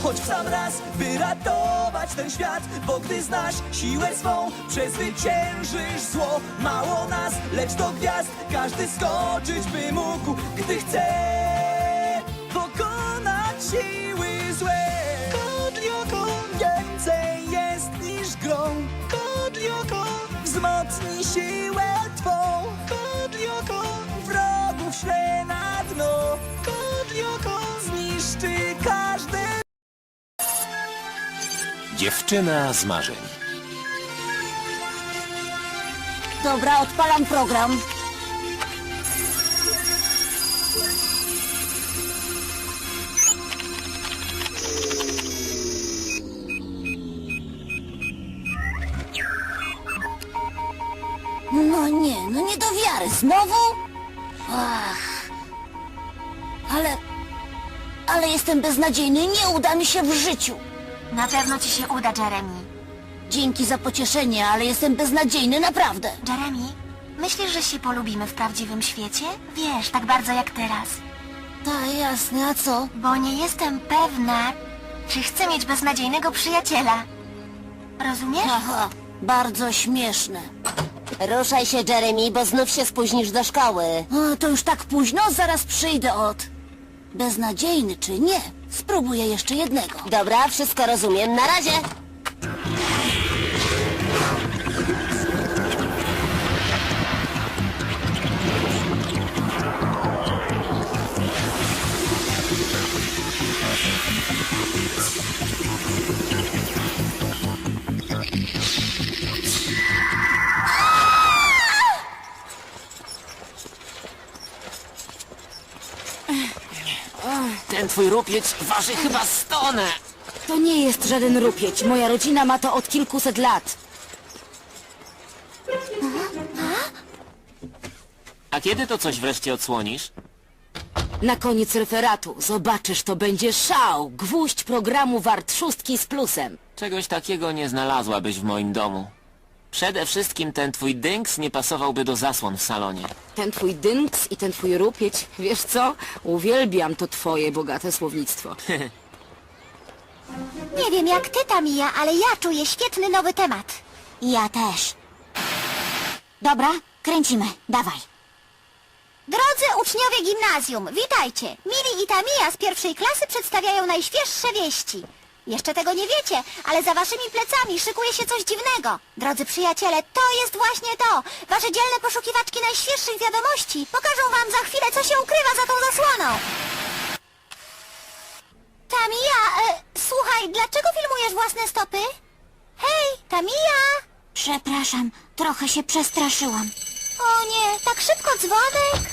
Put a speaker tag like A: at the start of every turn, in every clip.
A: choć w sam raz, by ratować ten świat. Bo gdy znasz siłę swą, przezwyciężysz zło. Mało nas, lecz do gwiazd każdy skoczyć by mógł, gdy chce pokonać siły złe. Kodlioko więcej jest niż grą. Kodlioko wzmocni siłę twą. Kodlioko wrogów śle na dno. Kodlioko zniszczy każdy.
B: Dziewczyna z marzeń.
C: Dobra, odpalam program. No nie do wiary. Znowu? Ach. Ale jestem beznadziejny, nie uda mi się w życiu.
D: Na pewno ci się uda, Jeremy.
C: Dzięki za pocieszenie, ale jestem beznadziejny, naprawdę.
D: Jeremy, myślisz, że się polubimy w prawdziwym świecie? Wiesz, tak bardzo jak teraz.
C: Tak, jasne, a co?
D: Bo nie jestem pewna, czy chcę mieć beznadziejnego przyjaciela. Rozumiesz?
C: Aha, bardzo śmieszne.
E: Ruszaj się, Jeremy, bo znów się spóźnisz do szkoły.
C: O, to już tak późno, zaraz przyjdę od... Beznadziejny czy nie? Spróbuję jeszcze jednego.
E: Dobra, wszystko rozumiem. Na razie!
B: Ten twój rupieć waży chyba 100 tonę.
C: To nie jest żaden rupieć. Moja rodzina ma to od kilkuset lat.
B: A kiedy to coś wreszcie odsłonisz?
C: Na koniec referatu zobaczysz, to będzie szał. Gwóźdź programu wart 6 z plusem.
B: Czegoś takiego nie znalazłabyś w moim domu. Przede wszystkim ten twój dynks nie pasowałby do zasłon w salonie.
C: Ten twój dynks i ten twój rupieć, wiesz co? Uwielbiam to twoje bogate słownictwo.
D: Nie wiem jak ty, Tamia, ale ja czuję świetny nowy temat.
E: Ja też.
D: Dobra, kręcimy. Dawaj. Drodzy uczniowie gimnazjum, witajcie! Mili i Tamia z pierwszej klasy przedstawiają najświeższe wieści. Jeszcze tego nie wiecie, ale za waszymi plecami szykuje się coś dziwnego. Drodzy przyjaciele, to jest właśnie to! Wasze dzielne poszukiwaczki najświeższych wiadomości pokażą wam za chwilę, co się ukrywa za tą zasłoną. Tamia, słuchaj, dlaczego filmujesz własne stopy? Hej, Tamia! Przepraszam, trochę się przestraszyłam. O nie, tak szybko dzwonek?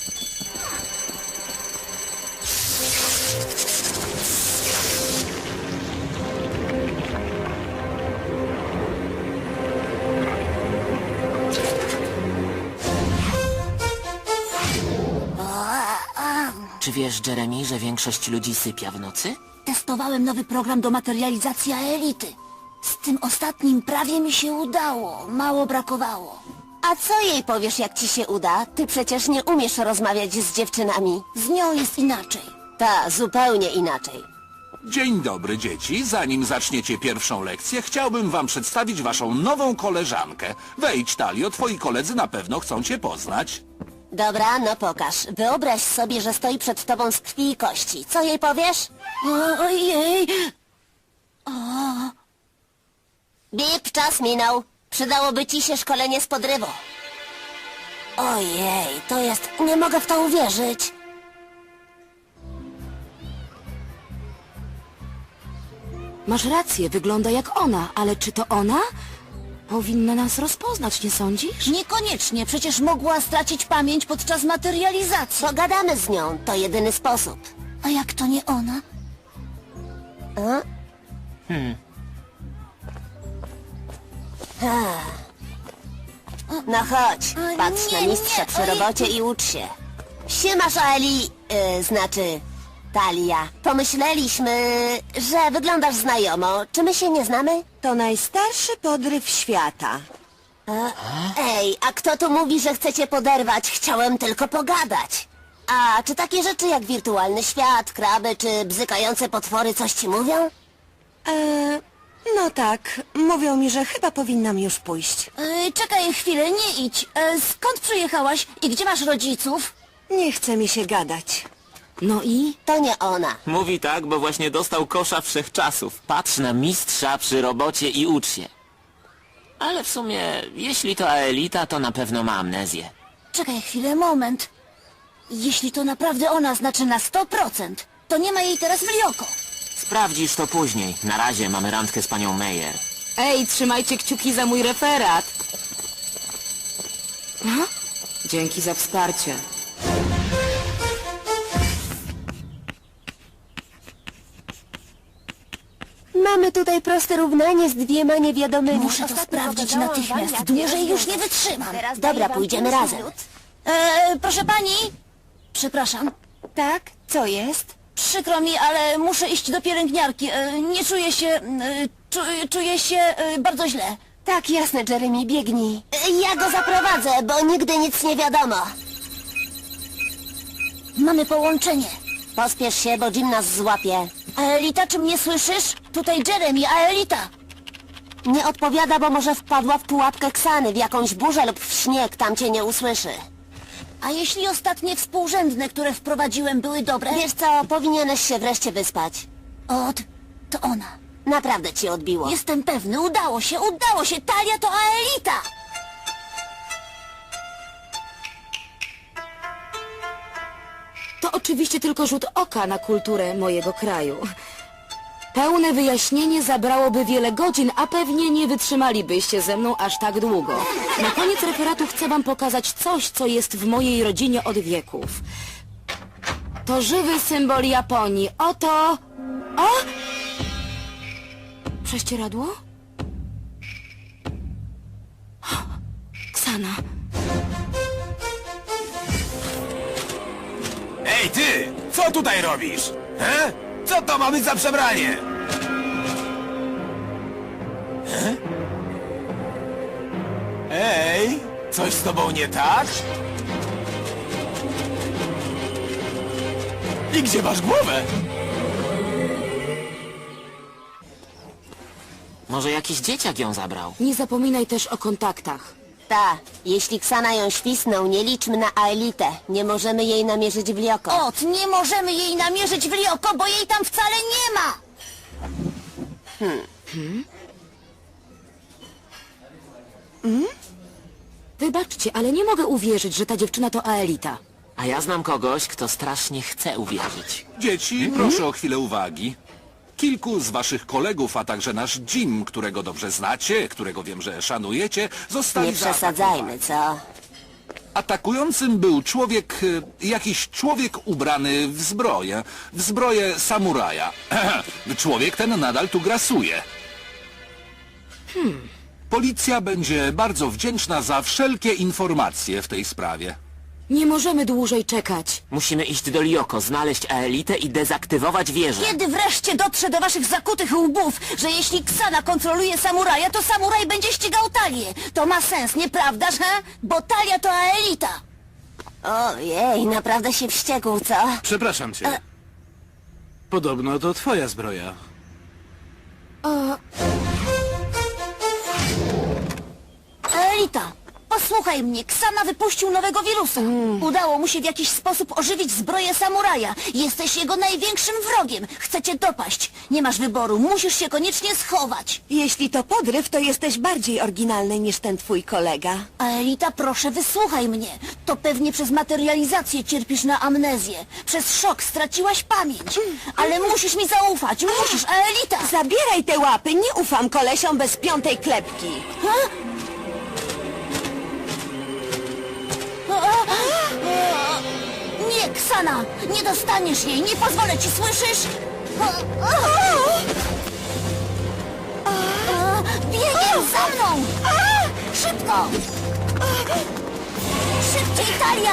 B: Czy wiesz, Jeremy, że większość ludzi sypia w nocy?
C: Testowałem nowy program do materializacji elity. Z tym ostatnim prawie mi się udało. Mało brakowało.
E: A co jej powiesz, jak ci się uda? Ty przecież nie umiesz rozmawiać z dziewczynami.
C: Z nią jest inaczej.
E: Ta, zupełnie inaczej.
F: Dzień dobry, dzieci. Zanim zaczniecie pierwszą lekcję, chciałbym wam przedstawić waszą nową koleżankę. Wejdź, Talio, twoi koledzy na pewno chcą cię poznać.
E: Dobra, no pokaż. Wyobraź sobie, że stoi przed tobą z krwi i kości. Co jej powiesz?
C: Ojej!
E: Bip, czas minął. Przydałoby ci się szkolenie z podrywu.
C: Ojej, to jest... Nie mogę w to uwierzyć. Masz rację, wygląda jak ona, ale czy to ona? Powinna nas rozpoznać, nie sądzisz? Niekoniecznie, przecież mogła stracić pamięć podczas materializacji.
E: Pogadamy z nią, to jedyny sposób.
C: A jak to nie ona?
E: No chodź, patrz na
C: nie,
E: mistrza
C: nie,
E: przy
C: oj.
E: robocie i ucz się. Siemasz, Eli... znaczy... Talia. Pomyśleliśmy, że wyglądasz znajomo. Czy my się nie znamy?
G: To najstarszy podryw świata.
E: Ej, a kto tu mówi, że chcecie poderwać? Chciałem tylko pogadać. A czy takie rzeczy jak wirtualny świat, kraby czy bzykające potwory coś ci mówią?
G: No tak, mówią mi, że chyba powinnam już pójść.
C: Czekaj chwilę, nie idź. Skąd przyjechałaś i gdzie masz rodziców?
G: Nie chce mi się gadać.
C: No i?
E: To nie ona.
B: Mówi tak, bo właśnie dostał kosza wszechczasów. Patrz na mistrza przy robocie i ucz się. Ale w sumie, jeśli to Aelita, to na pewno ma amnezję.
C: Czekaj chwilę, moment. Jeśli to naprawdę ona, znaczy na 100%, to nie ma jej teraz w Lioko.
B: Sprawdzisz to później. Na razie mamy randkę z panią Meyer.
C: Ej, trzymajcie kciuki za mój referat. Aha. Dzięki za wsparcie.
E: Mamy tutaj proste równanie z dwiema niewiadomymi.
C: Muszę to
E: Ostatnio
C: sprawdzić
E: opowiadałam
C: natychmiast.
E: wam, jak
C: Dłużej
E: je
C: już nie
E: rozwiązać.
C: wytrzymam.
E: Teraz
C: Dobra,
E: daję wam
C: pójdziemy
E: 5
C: razem.
E: minut.
C: Proszę pani? Przepraszam.
G: Tak? Co jest?
C: Przykro mi, ale muszę iść do pielęgniarki. Nie czuję się... czuję się bardzo źle.
E: Tak, jasne, Jeremy, biegnij. Ja go zaprowadzę, bo nigdy nic nie wiadomo.
C: Mamy połączenie.
E: Pospiesz się, bo Jim nas złapie.
C: Aelita, czy mnie słyszysz? Tutaj Jeremy, Aelita.
E: Nie odpowiada, bo może wpadła w pułapkę Ksany, w jakąś burzę lub w śnieg, tam cię nie usłyszy.
C: A jeśli ostatnie współrzędne, które wprowadziłem, były dobre?
E: Wiesz co, powinieneś się wreszcie wyspać.
C: To ona.
E: Naprawdę ci odbiło.
C: Jestem pewny, udało się. Talia to Aelita. To oczywiście tylko rzut oka na kulturę mojego kraju. Pełne wyjaśnienie zabrałoby wiele godzin, a pewnie nie wytrzymalibyście ze mną aż tak długo. Na koniec referatu chcę wam pokazać coś, co jest w mojej rodzinie od wieków. To żywy symbol Japonii. Oto... O! Prześcieradło? Ksana.
H: Ej ty! Co tutaj robisz? He? Co to ma być za przebranie? He? Ej! Coś z tobą nie tak? I gdzie masz głowę?
B: Może jakiś dzieciak ją zabrał?
C: Nie zapominaj też o kontaktach.
E: Ta, jeśli Ksana ją świsnął, nie liczmy na Aelitę. Nie możemy jej namierzyć w Lioko.
C: Nie możemy jej namierzyć w Lioko, bo jej tam wcale nie ma! Wybaczcie, ale nie mogę uwierzyć, że ta dziewczyna to Aelita.
B: A ja znam kogoś, kto strasznie chce uwierzyć.
F: Dzieci, proszę o chwilę uwagi. Kilku z waszych kolegów, a także nasz Jim, którego dobrze znacie, którego wiem, że szanujecie, zostali
E: Nie przesadzajmy, co?
F: Atakującym był człowiek, jakiś człowiek ubrany w zbroję samuraja. Człowiek ten nadal tu grasuje. Policja będzie bardzo wdzięczna za wszelkie informacje w tej sprawie.
C: Nie możemy dłużej czekać.
B: Musimy iść do Lioko, znaleźć Aelitę i dezaktywować wieżę.
C: Kiedy wreszcie dotrze do waszych zakutych łbów, że jeśli Ksana kontroluje samuraja, to samuraj będzie ścigał Talię? To ma sens, nieprawdaż, he? Bo Talia to Aelita.
E: Ojej, naprawdę się wściekł, co?
H: Przepraszam cię. Podobno to twoja zbroja.
C: Aelita, posłuchaj mnie, Ksana wypuścił nowego wirusa. Udało mu się w jakiś sposób ożywić zbroję samuraja. Jesteś jego największym wrogiem. Chce cię dopaść. Nie masz wyboru, musisz się koniecznie schować.
G: Jeśli to podryw, to jesteś bardziej oryginalny niż ten twój kolega.
C: Aelita, proszę, wysłuchaj mnie. To pewnie przez materializację cierpisz na amnezję. Przez szok straciłaś pamięć. Ale musisz mi zaufać, musisz, Aelita!
G: Zabieraj te łapy, nie ufam kolesiom bez piątej klepki.
C: Nie, Ksana! Nie dostaniesz jej! Nie pozwolę ci, słyszysz? Biegiem za mną! Szybko! Szybciej, Talia!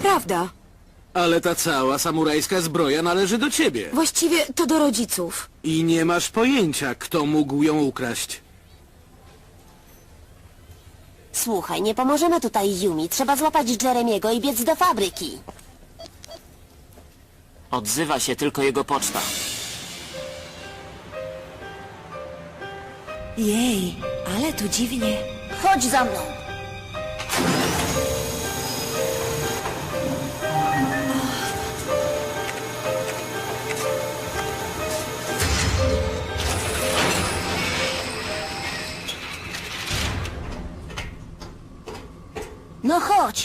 C: Nieprawda.
I: Ale ta cała samurajska zbroja należy do ciebie.
C: Właściwie to do rodziców.
I: I nie masz pojęcia, kto mógł ją ukraść.
E: Słuchaj, nie pomożemy tutaj Yumi. Trzeba złapać Jeremiego i biec do fabryki.
B: Odzywa się tylko jego poczta.
G: Jej, ale tu dziwnie.
D: Chodź za mną. No chodź.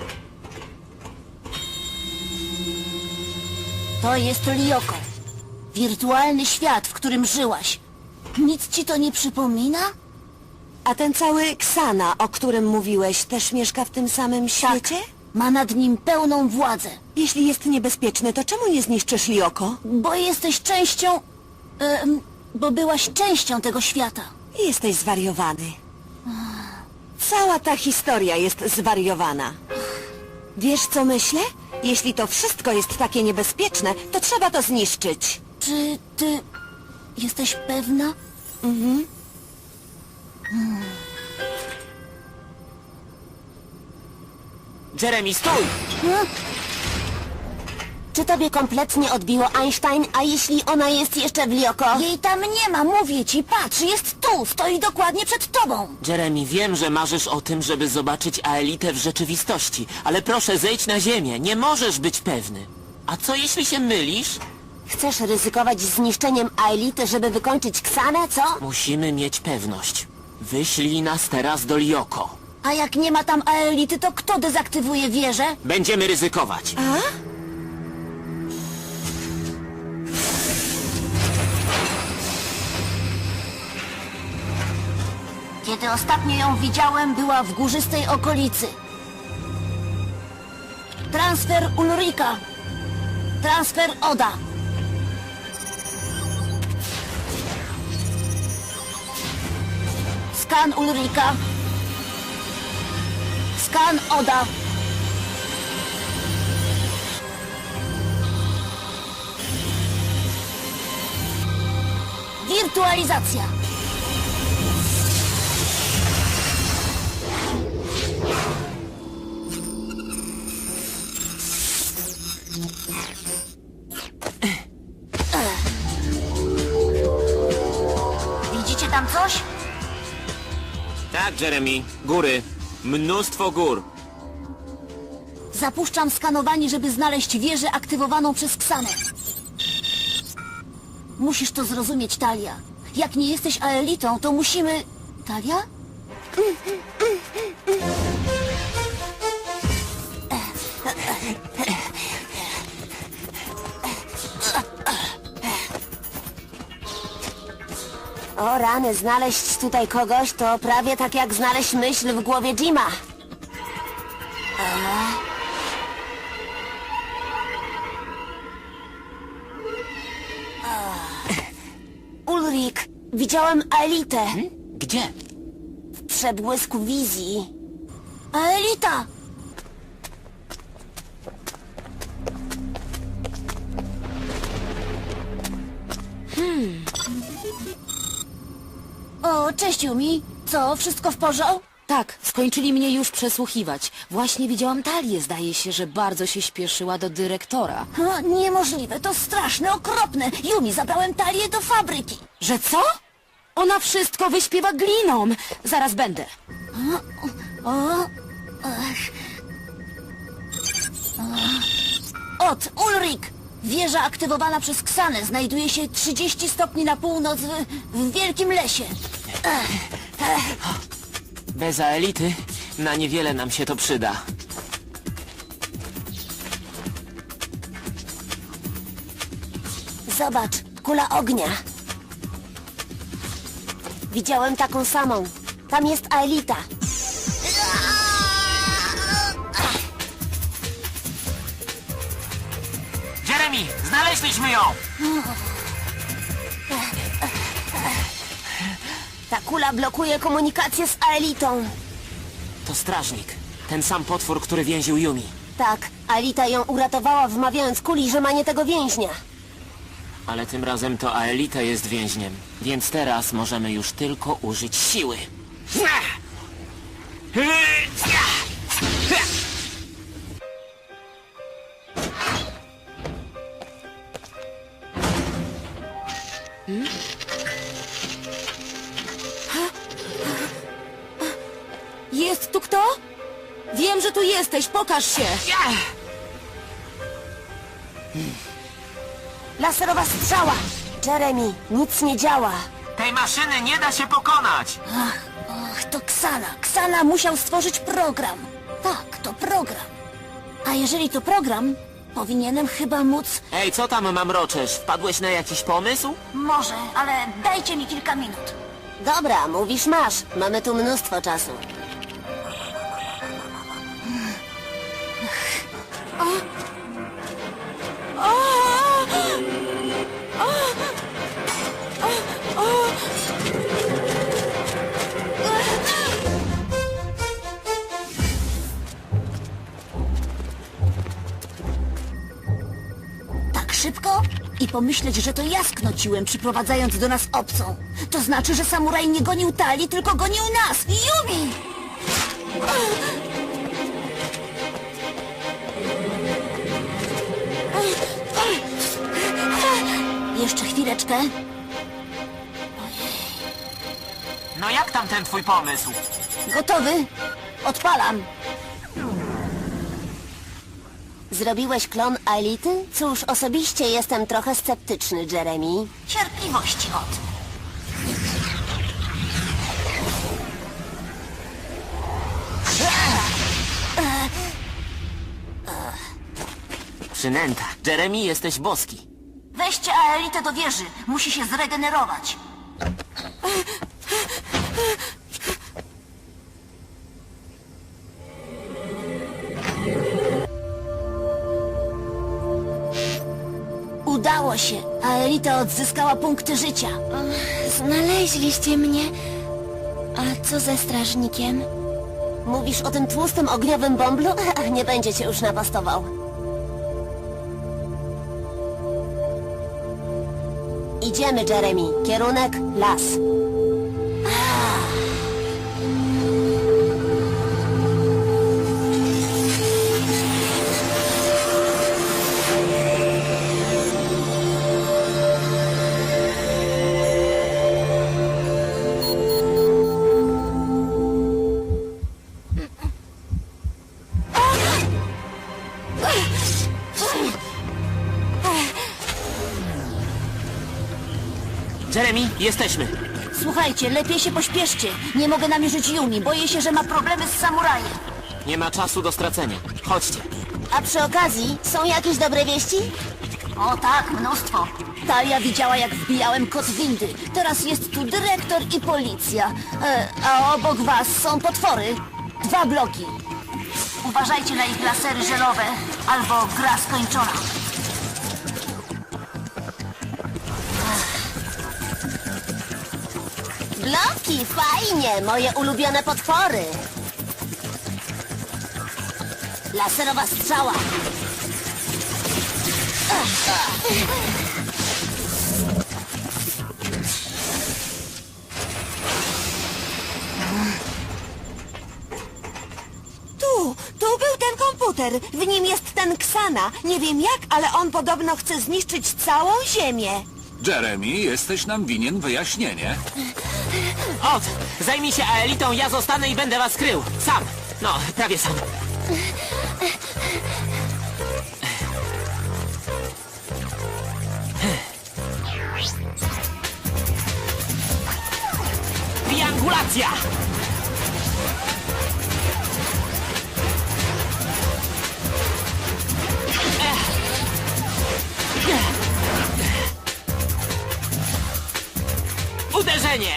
D: To jest Lyoko. Wirtualny świat, w którym żyłaś. Nic ci to nie przypomina?
G: A ten cały Ksana, o którym mówiłeś, też mieszka w tym samym świecie?
D: Ma nad nim pełną władzę.
G: Jeśli jest niebezpieczny, to czemu nie zniszczysz Lioko?
D: Bo jesteś częścią... bo byłaś częścią tego świata.
G: Jesteś zwariowany. Cała ta historia jest zwariowana. Wiesz, co myślę? Jeśli to wszystko jest takie niebezpieczne, to trzeba to zniszczyć.
D: Czy ty... jesteś pewna?
B: Jeremy, stój!
E: Czy tobie kompletnie odbiło Einstein, a jeśli ona jest jeszcze w Lioko?
D: Jej tam nie ma, mówię ci, patrz, jest tu, stoi dokładnie przed tobą.
B: Jeremy, wiem, że marzysz o tym, żeby zobaczyć Aelitę w rzeczywistości, ale proszę, zejdź na ziemię, nie możesz być pewny. A co jeśli się mylisz?
E: Chcesz ryzykować zniszczeniem Aelity, żeby wykończyć Ksanę, co?
B: Musimy mieć pewność. Wyślij nas teraz do Lioko.
D: A jak nie ma tam Aelity, to kto dezaktywuje wieżę?
B: Będziemy ryzykować.
D: Kiedy ostatnio ją widziałem, była w górzystej okolicy. Transfer Ulrika. Transfer Oda. Skan Ulrika. Skan Oda. Wirtualizacja. Widzicie tam coś?
B: Tak, Jeremy. Góry. Mnóstwo gór.
D: Zapuszczam skanowanie, żeby znaleźć wieżę aktywowaną przez Ksanę. Musisz to zrozumieć, Talia. Jak nie jesteś Aelitą, to musimy... Talia?
E: O rany, znaleźć tutaj kogoś to prawie tak jak znaleźć myśl w głowie Jima. Ulrik, widziałem Aelitę
B: Gdzie?
E: w przebłysku wizji.
D: Aelita! O, cześć Yumi. Co, wszystko w porządku?
C: Tak, skończyli mnie już przesłuchiwać. Właśnie widziałam Talię, zdaje się, że bardzo się śpieszyła do dyrektora.
D: Niemożliwe, to straszne, okropne. Yumi, zabrałem Talię do fabryki.
C: Że co? Ona wszystko wyśpiewa gliną. Zaraz będę.
D: Ulrik! Wieża aktywowana przez Ksanę znajduje się 30 stopni na północ w wielkim lesie.
B: Bez Aelity na niewiele nam się to przyda.
E: Zobacz, kula ognia. Widziałem taką samą. Tam jest Aelita.
B: Jeremy, znaleźliśmy ją!
E: Ta kula blokuje komunikację z Aelitą.
B: To strażnik. Ten sam potwór, który więził Yumi.
E: Tak, Alita ją uratowała, wmawiając Kuli, że ma nie tego więźnia.
B: Ale tym razem to Aelita jest więźniem, więc teraz możemy już tylko użyć siły.
C: Jest tu kto? Wiem, że tu jesteś, pokaż się!
E: Laserowa strzała! Jeremy, nic nie działa.
B: Tej maszyny nie da się pokonać!
D: Ach, to Ksana. Ksana musiał stworzyć program. Tak, to program. A jeżeli to program, powinienem chyba móc...
B: Ej, co tam mamroczesz? Wpadłeś na jakiś pomysł?
D: Może, ale dajcie mi kilka minut.
E: Dobra, mówisz masz. Mamy tu mnóstwo czasu.
D: Tak szybko? I pomyśleć, że to ja sknociłem, przyprowadzając do nas obcą. To znaczy, że samuraj nie gonił Talii, tylko gonił nas! Yumi! Jeszcze chwileczkę.
B: No jak tam ten twój pomysł?
D: Gotowy? Odpalam.
E: Zrobiłeś klon Aelity? Cóż, osobiście jestem trochę sceptyczny, Jeremy.
D: Cierpliwości od.
B: Przynęta. Jeremy, jesteś boski.
D: Weźcie Aelitę do wieży. Musi się zregenerować. Udało się. Aelita odzyskała punkty życia.
E: Znaleźliście mnie. A co ze strażnikiem? Mówisz o tym tłustym ogniowym bąblu? Nie będzie cię już napastował. Idziemy, Jeremy. Kierunek las.
B: Jeremy, jesteśmy.
D: Słuchajcie, lepiej się pośpieszcie. Nie mogę namierzyć Yumi. Boję się, że ma problemy z samurajem.
B: Nie ma czasu do stracenia. Chodźcie.
E: A przy okazji, są jakieś dobre wieści?
D: O tak, mnóstwo. Talia widziała, jak wbijałem kod windy. Teraz jest tu dyrektor i policja. A obok was są potwory. 2 bloki. Uważajcie na ich lasery żelowe, albo gra skończona.
E: Bloki, fajnie! Moje ulubione potwory. Laserowa strzała.
G: Tu był ten komputer. W nim jest ten Ksana. Nie wiem jak, ale on podobno chce zniszczyć całą Ziemię.
F: Jeremy, jesteś nam winien wyjaśnienie.
B: Od! Zajmij się Aelitą, ja zostanę i będę was krył. Sam. No, prawie sam. Triangulacja! Uderzenie!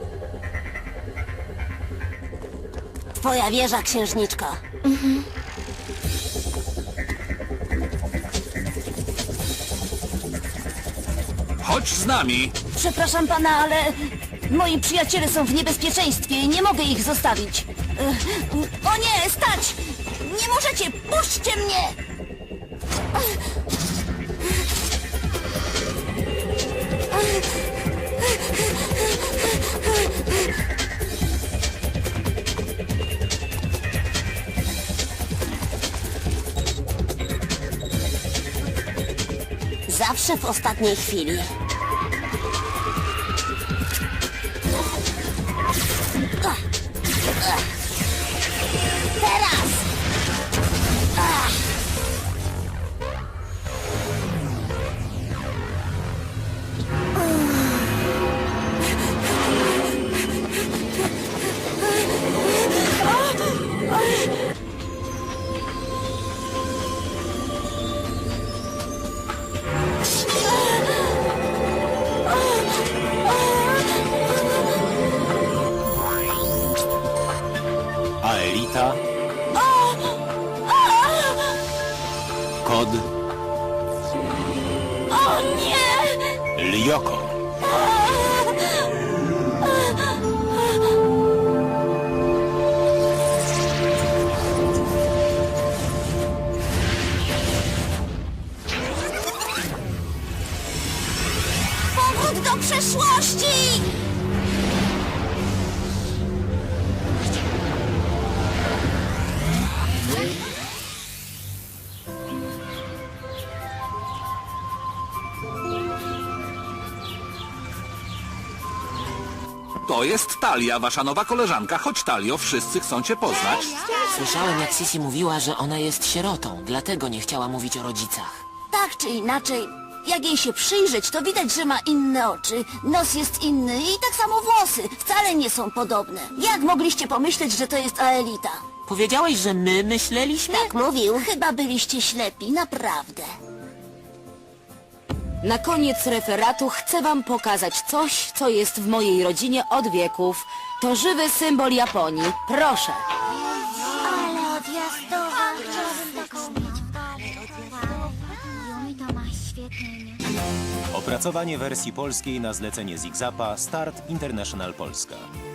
E: Twoja wieża, księżniczko.
F: Chodź z nami.
C: Przepraszam pana, ale moi przyjaciele są w niebezpieczeństwie i nie mogę ich zostawić. O nie, stać! Nie możecie! Puśćcie mnie!
E: Zawsze w ostatniej chwili. Teraz!
J: Aelita. Kod.
C: O nie!
J: Lyoko.
C: Powrót do przeszłości!
F: To jest Talia, wasza nowa koleżanka. Chodź, Talio, wszyscy chcą cię poznać.
B: Słyszałem, jak Sisi mówiła, że ona jest sierotą, dlatego nie chciała mówić o rodzicach.
C: Tak czy inaczej, jak jej się przyjrzeć, to widać, że ma inne oczy, nos jest inny i tak samo włosy. Wcale nie są podobne. Jak mogliście pomyśleć, że to jest Aelita?
B: Powiedziałeś, że my myśleliśmy?
C: Tak mówił. Chyba byliście ślepi, naprawdę. Na koniec referatu chcę wam pokazać coś, co jest w mojej rodzinie od wieków. To żywy symbol Japonii. Proszę.
D: Ale odjazdowa. Chciałabym taką mieć. Yumi to ma świetne imię.
J: Opracowanie wersji polskiej na zlecenie Zigzapa Start International Polska.